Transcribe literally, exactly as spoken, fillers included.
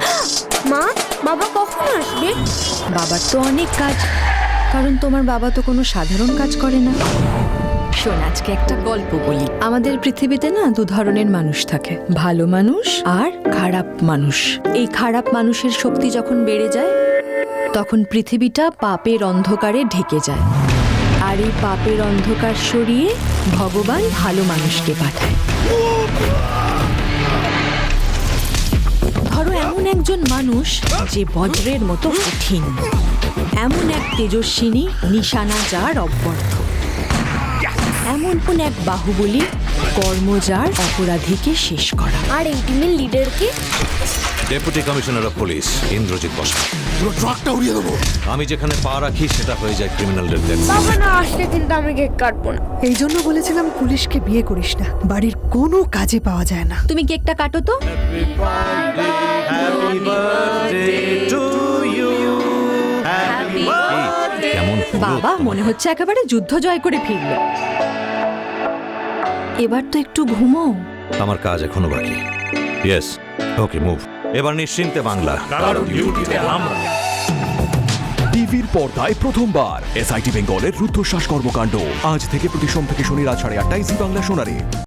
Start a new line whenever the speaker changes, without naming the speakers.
মা, বাবা কখন আসবে?
বাবার তো অনেক কাজ, কারণ তোমার বাবা তো কোনো সাধারণ কাজ করে না। শোন, আজকে একটা গল্প বলি। আমাদের পৃথিবীতে না দু ধরনের মানুষ থাকে, ভালো মানুষ আর খারাপ মানুষ। এই খারাপ মানুষের শক্তি যখন বেড়ে যায় তখন পৃথিবীটা পাপের অন্ধকারে ঢেকে যায়, আর এই পাপের অন্ধকার সরিয়ে ভগবান ভালো মানুষকে পাঠায়। ধরো এমন একজন মানুষ যে বজ্রের মতো কঠিন, এমন এক তেজস্বিনী নিশানা যার অব্যর্থ, এমন কোন এক বাহুবলী কর্মজার অপরাধীকে শেষ করা।
আর এই টিমের লিডার কে?
Deputy commissioner of police Indrajit Basa.
পুরো ট্রাকটা উড়িয়ে দেবো।
আমি যেখানে পা রাখি সেটা হয়ে যায় ক্রিমিনালদের ডেথ।
বাবা না আসলে কিন্তু আমি কেক কাটবো না।
এই জন্য বলেছিলাম পুলিশকে বিয়ে করিস না, বাড়ির কোনো কাজে পাওয়া যায় না।
তুমি কেকটা কাটো তো।
কেমন
বাবা মনে হচ্ছে একেবারে যুদ্ধ জয় করে ফিরল। এবার তো একটু ঘুমো।
আমার কাজ এখনো বাকি। Yes, okay move. এবার নিশ্চিন্তে বাংলা।
টিভির পর্দায় প্রথমবার এসআইটি বেঙ্গলের রুদ্ধশ্বাস কর্মকাণ্ড আজ থেকে প্রতি সোম থেকে শনি রাত সাড়ে আটটায় জি বাংলা সোনারে।